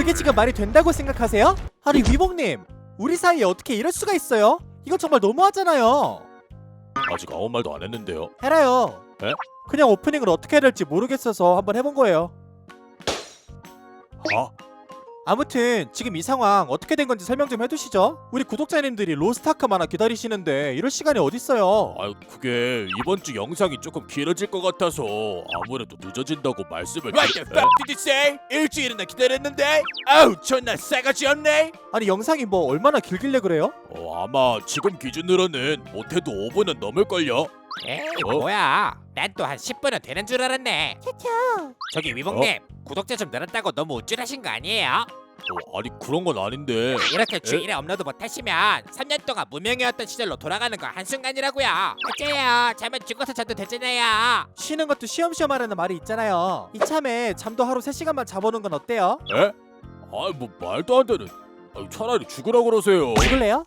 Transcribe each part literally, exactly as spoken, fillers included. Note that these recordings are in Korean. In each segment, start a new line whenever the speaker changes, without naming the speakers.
그게 지금 말이 된다고 생각하세요? 아니 위복님, 우리 사이에 어떻게 이럴 수가 있어요? 이건 정말 너무하잖아요.
아직 아무 말도 안 했는데요.
해라요.
에?
그냥 오프닝을 어떻게 해야 될지 모르겠어서 한번 해본 거예요.
아?
아무튼 지금 이 상황 어떻게 된 건지 설명 좀 해두시죠. 우리 구독자님들이 로스트아크만화 기다리시는데 이럴 시간이 어딨어요.
아유 그게 이번 주 영상이 조금 길어질 것 같아서 아무래도 늦어진다고 말씀을
What the fuck did you say? 일주일이나 기다렸는데? 아우 존나 싸가지 없네.
아니 영상이 뭐 얼마나 길길래 그래요?
어, 아마 지금 기준으로는 못해도 오 분은 넘을걸요?
에이
어?
뭐야? 난 또 한 십 분은 되는 줄 알았네. 저기 위복님 구독자 좀 늘었다고 너무 우쭐하신 거 아니에요?
어, 아니 그런 건 아닌데.
이렇게 주일에 업로드 못하시면 삼 년 동안 무명이었던 시절로 돌아가는 거 한순간이라고요. 어째요? 잠은 죽어서 자도 되잖아요.
쉬는 것도 쉬엄쉬엄 하라는 말이 있잖아요. 이참에 잠도 하루 세 시간만 자보는 건 어때요?
에? 아이 뭐 말도 안 되는. 아유, 차라리 죽으라 그러세요.
죽을래요?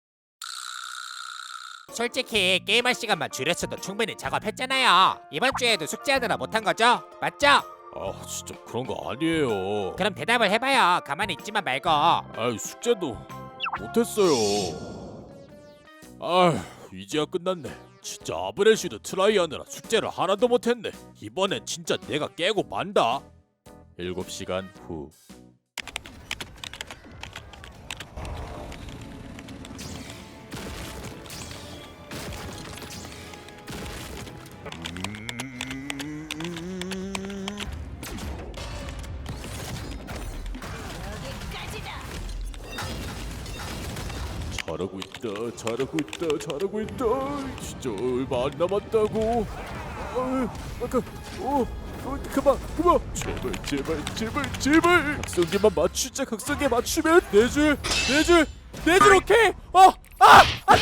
솔직히 게임할 시간만 줄였어도 충분히 작업했잖아요. 이번 주에도 숙제하느라 못한 거죠? 맞죠?
아 진짜 그런 거 아니에요.
그럼 대답을 해봐요. 가만히 있지만 말고.
아이 숙제도 못했어요. 아휴 이제야 끝났네. 진짜 아브레슈드 트라이 하느라 숙제를 하나도 못했네. 이번엔 진짜 내가 깨고 만다. 일곱 시간 후. 잘하고 있다, 잘하고 있다, 잘하고 있다. 진짜 얼마 안 남았다고. 아, 아까, 어, 어, 그만, 그만. 제발, 제발, 제발, 제발. 각성기만 맞추자. 각성기 맞추면 네 줄, 네 줄, 네 줄 오케이. 어, 아, 안돼.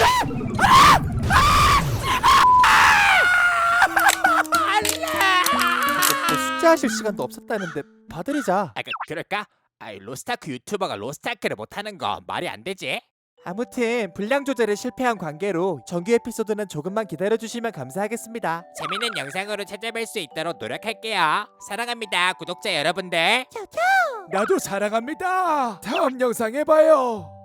뭐 숙제하실 시간도 없었다는데 봐드리자.
아, 그, 그럴까? 아이 로스타크 유튜버가 로스타크를 못하는 거 말이 안 되지?
아무튼 분량 조절에 실패한 관계로 정규 에피소드는 조금만 기다려주시면 감사하겠습니다.
재밌는 영상으로 찾아뵐 수 있도록 노력할게요. 사랑합니다, 구독자 여러분들.
나도 사랑합니다. 다음 영상에 봐요.